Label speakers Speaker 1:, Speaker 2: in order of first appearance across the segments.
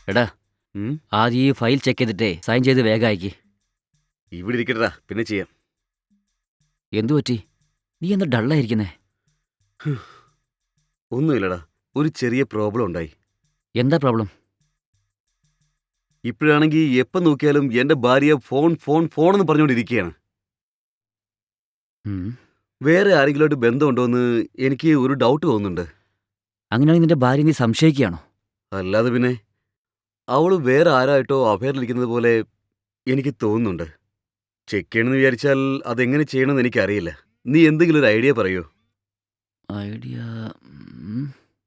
Speaker 1: എടാ,
Speaker 2: ഉം,
Speaker 1: ആദ്യം ഈ ഫയൽ ചെക്ക് ചെയ്തിട്ടേ സൈൻ ചെയ്ത് വേഗം അയക്ക്.
Speaker 2: ഇവിടെ ഇരിക്കട്ടാ, പിന്നെ ചെയ്യാം.
Speaker 1: എന്തു പറ്റി? നീ എന്താ ഡള്ളായിരിക്കുന്നേ?
Speaker 2: ഒന്നുമില്ലടാ, ഒരു ചെറിയ പ്രോബ്ലം ഉണ്ടായി.
Speaker 1: എന്താ പ്രോബ്ലം?
Speaker 2: ഇപ്പോഴാണെങ്കിൽ എപ്പം നോക്കിയാലും എൻ്റെ ഭാര്യ ഫോൺ ഫോൺ ഫോൺ എന്ന് പറഞ്ഞുകൊണ്ടിരിക്കുകയാണ്.
Speaker 1: ഉം.
Speaker 2: വേറെ ആരെങ്കിലുമായിട്ട് ബന്ധമുണ്ടോയെന്ന് എനിക്ക് ഒരു ഡൗട്ട് തോന്നുന്നുണ്ട്.
Speaker 1: അങ്ങനെയാണെങ്കിൽ നിന്റെ ഭാര്യ നീ സംശയിക്കുകയാണോ?
Speaker 2: അല്ലാതെ പിന്നെ അവൾ വേറെ ആരായിട്ടോ അഫയറിലിരിക്കുന്നത് പോലെ എനിക്ക് തോന്നുന്നുണ്ട്. ചെക്ക് ചെയ്യണമെന്ന് വിചാരിച്ചാൽ അതെങ്ങനെ ചെയ്യണമെന്ന് എനിക്കറിയില്ല. നീ എന്തെങ്കിലും ഒരു ഐഡിയ പറയൂ.
Speaker 1: ഐഡിയ. ഉം.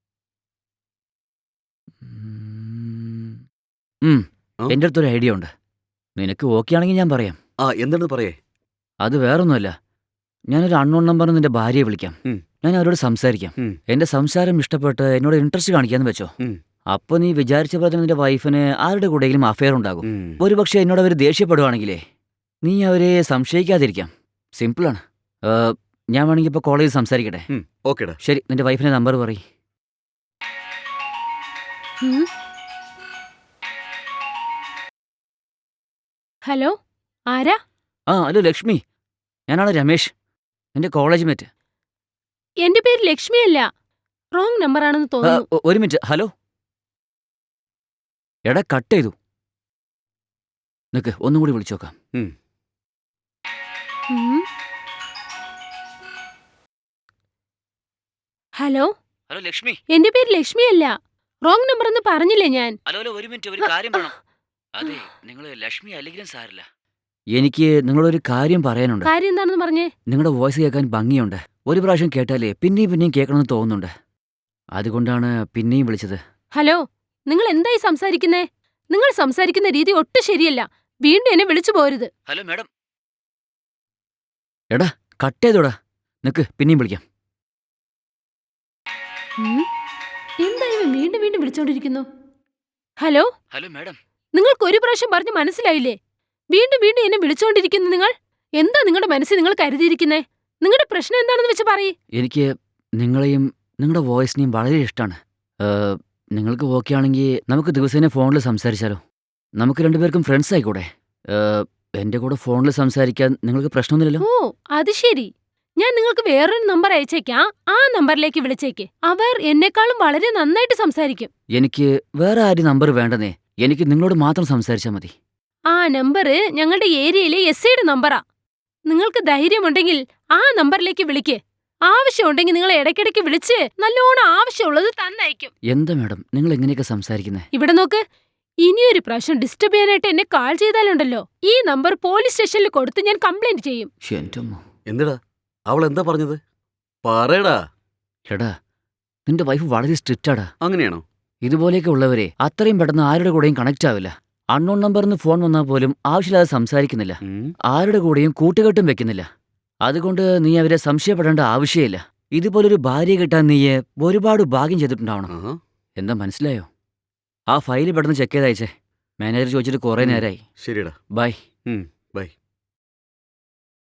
Speaker 1: ഉം. ഉം.
Speaker 2: ആ?
Speaker 1: എൻ്റെ അടുത്തൊരു ഐഡിയ ഉണ്ട്. നിനക്ക് ഓക്കെ ആണെങ്കിൽ ഞാൻ പറയാം.
Speaker 2: എന്താണെന്ന് പറയേ.
Speaker 1: അത് വേറൊന്നുമല്ല. ഞാനൊരു അൺനോൺ നമ്പറിൽ നിന്റെ ഭാര്യയെ വിളിക്കാം.
Speaker 2: ഉം.
Speaker 1: ഞാൻ അവരോട് സംസാരിക്കാം.
Speaker 2: ഉം.
Speaker 1: എൻ്റെ സംസാരം ഇഷ്ടപ്പെട്ട് എന്നോട് ഇൻട്രസ്റ്റ് കാണിക്കാന്ന് വെച്ചോ.
Speaker 2: ഉം.
Speaker 1: അപ്പോൾ നീ വിചാരിച്ച പോലെ തന്നെ നിന്റെ വൈഫിന് ആരുടെ കൂടെയെങ്കിലും അഫെയർ ഉണ്ടാകും.
Speaker 2: ഉം.
Speaker 1: ഒരുപക്ഷെ എന്നോട് അവർ ദേഷ്യപ്പെടുവാണെങ്കിലേ നീ അവരെ സംശയിക്കാതിരിക്കാം. സിമ്പിളാണ്. ഞാൻ വേണമെങ്കിൽ ഇപ്പോൾ കോളേജിൽ സംസാരിക്കട്ടെ?
Speaker 2: ഓക്കേടാ.
Speaker 1: ശരി, നിന്റെ വൈഫിൻ്റെ നമ്പർ പറയ്.
Speaker 3: ഹലോ, ആരാ?
Speaker 1: ഹലോ ലക്ഷ്മി, ഞാനാണ് രമേശ്, എൻ്റെ കോളേജ് മേറ്റ്.
Speaker 3: എന്റെ പേര് ലക്ഷ്മിയല്ല. റോങ് നമ്പറാണെന്ന് തോന്നുന്നു.
Speaker 1: ഒരു മിനിറ്റ്. ഹലോ. എടാ, കട്ട് ചെയ്തു. നിക്ക്, ഒന്നും കൂടി വിളിച്ചു നോക്കാം.
Speaker 3: ഉം. Hello,
Speaker 1: hello Lakshmi.
Speaker 3: എന്റെ പേര് ലക്ഷ്മിയല്ല. റോങ് നമ്പർ എന്ന് പറഞ്ഞില്ലേ ഞാൻ?
Speaker 1: ഹലോ, ഒരു മിനിറ്റ്, ഒരു കാര്യം പറയണം. അതെ, നിങ്ങൾ ലക്ഷ്മി അല്ലെങ്കിലും സാരില്ല. എനിക്ക് നിങ്ങളൊരു കാര്യം പറയാനുണ്ട്.
Speaker 3: കാര്യം എന്താണെന്ന് പറഞ്ഞേ.
Speaker 1: നിങ്ങളുടെ വോയിസ് കേൾക്കാൻ ഭംഗിയുണ്ട്. ഒരു പ്രാവശ്യം കേട്ടാലേ പിന്നെയും പിന്നെയും കേൾക്കണമെന്ന് തോന്നുന്നുണ്ട്. അതുകൊണ്ടാണ് പിന്നെയും വിളിച്ചത്.
Speaker 3: ഹലോ, നിങ്ങൾ എന്തായി സംസാരിക്കുന്നേ? നിങ്ങൾ സംസാരിക്കുന്ന രീതി ഒട്ടും ശരിയല്ല. വീണ്ടും എന്നെ വിളിച്ചു പോരുത്.
Speaker 1: Hello madam. എടാ, കട്ട് ചെയ്തോടാ. നിക്ക്, പിന്നെയും വിളിക്കാം.
Speaker 3: എന്താ ഇവൻ വീണ്ടും വീണ്ടും വിളിച്ചോണ്ടിരിക്കുന്നു? ഹലോ.
Speaker 1: Hello madam.
Speaker 3: നിങ്ങൾക്ക് ഒരു പ്രാവശ്യം പറഞ്ഞ് മനസ്സിലായില്ലേ? വീണ്ടും വീണ്ടും എന്നെ വിളിച്ചോണ്ടിരിക്കുന്നു നിങ്ങൾ. എന്താ നിങ്ങളുടെ മനസ്സിൽ നിങ്ങൾ കരുതിയിരിക്കുന്നേ? നിങ്ങളുടെ പ്രശ്നം എന്താണെന്ന് വെച്ച് പറയ്.
Speaker 1: എനിക്ക് നിങ്ങളെയും നിങ്ങളുടെ വോയിസിനെയും വളരെ ഇഷ്ടമാണ്. നിങ്ങൾക്ക് ഓക്കെ ആണെങ്കിൽ നമുക്ക് ദിവസേന ഫോണിൽ സംസാരിച്ചാലോ? നമുക്ക് രണ്ടുപേർക്കും ഫ്രണ്ട്സ് ആയിക്കൂടെ? എൻ്റെ കൂടെ ഫോണിൽ സംസാരിക്കാൻ നിങ്ങൾക്ക് പ്രശ്നമൊന്നുമില്ലല്ലോ?
Speaker 3: ഓ, അത് ശരി. ഞാൻ നിങ്ങൾക്ക് വേറൊരു നമ്പർ അയച്ചേക്കാം. ആ നമ്പറിലേക്ക് വിളിച്ചേക്ക്. അവർ എന്നെക്കാളും വളരെ നന്നായിട്ട് സംസാരിക്കും.
Speaker 1: എനിക്ക് വേറെ ആരും നമ്പർ വേണ്ടെന്നേ. എനിക്ക് നിങ്ങളോട് മാത്രം സംസാരിച്ചാൽ മതി.
Speaker 3: ആ നമ്പർ ഞങ്ങളുടെ ഏരിയയിലെ എസ്ഐയുടെ നമ്പറാ. നിങ്ങൾക്ക് ധൈര്യമുണ്ടെങ്കിൽ ആ നമ്പറിലേക്ക് വിളിക്ക്. ആവശ്യമുണ്ടെങ്കിൽ നിങ്ങൾ ഇടയ്ക്കിടയ്ക്ക് വിളിച്ച് നല്ലോണം ആവശ്യമുള്ളത് തന്നയക്കും.
Speaker 1: എന്താ മാഡം നിങ്ങൾ എങ്ങനെയൊക്കെ സംസാരിക്കുന്നേ?
Speaker 3: ഇവിടെ നോക്ക്. ഇനിയൊരു പ്രാവശ്യം ഡിസ്റ്റർബ് ചെയ്യാനായിട്ട് എന്നെ കാൾ ചെയ്താലുണ്ടല്ലോ, ഈ നമ്പർ പോലീസ് സ്റ്റേഷനിൽ കൊടുത്ത് ഞാൻ കംപ്ലൈന്റ് ചെയ്യും.
Speaker 2: എന്തെടാ, അവൾ എന്താ പറഞ്ഞത്? പറയടാ.
Speaker 1: എടാ, നിന്റെ വൈഫ് വളരെ സ്ട്രിക്റ്റാടാ.
Speaker 2: അങ്ങനെയാണോ?
Speaker 1: ഇതുപോലെയൊക്കെ ഉള്ളവരെ അത്രയും പെട്ടെന്ന് ആരുടെ കൂടെയും കണക്റ്റ് ആവില്ല. അൺനോൺ നമ്പറിന്ന് ഫോൺ വന്നാൽ പോലും ആവശ്യമില്ലാതെ സംസാരിക്കുന്നില്ല. ആരുടെ കൂടെയും കൂട്ടുകെട്ടും വെക്കുന്നില്ല. അതുകൊണ്ട് നീ അവരെ സംശയപ്പെടേണ്ട ആവശ്യമില്ല. ഇതുപോലൊരു ഭാര്യ കിട്ടാൻ നീ ഒരുപാട് ഭാഗ്യം ചെയ്തിട്ടുണ്ടാവണം. എന്താ മനസ്സിലായോ? ആ ഫയൽ പെട്ടെന്ന് ചെക്ക് ചെയ്ത് അയച്ചേ. മാനേജർ ചോദിച്ചിട്ട് കുറെ നേരമായി.
Speaker 2: ശരിടാ.
Speaker 1: ബൈ.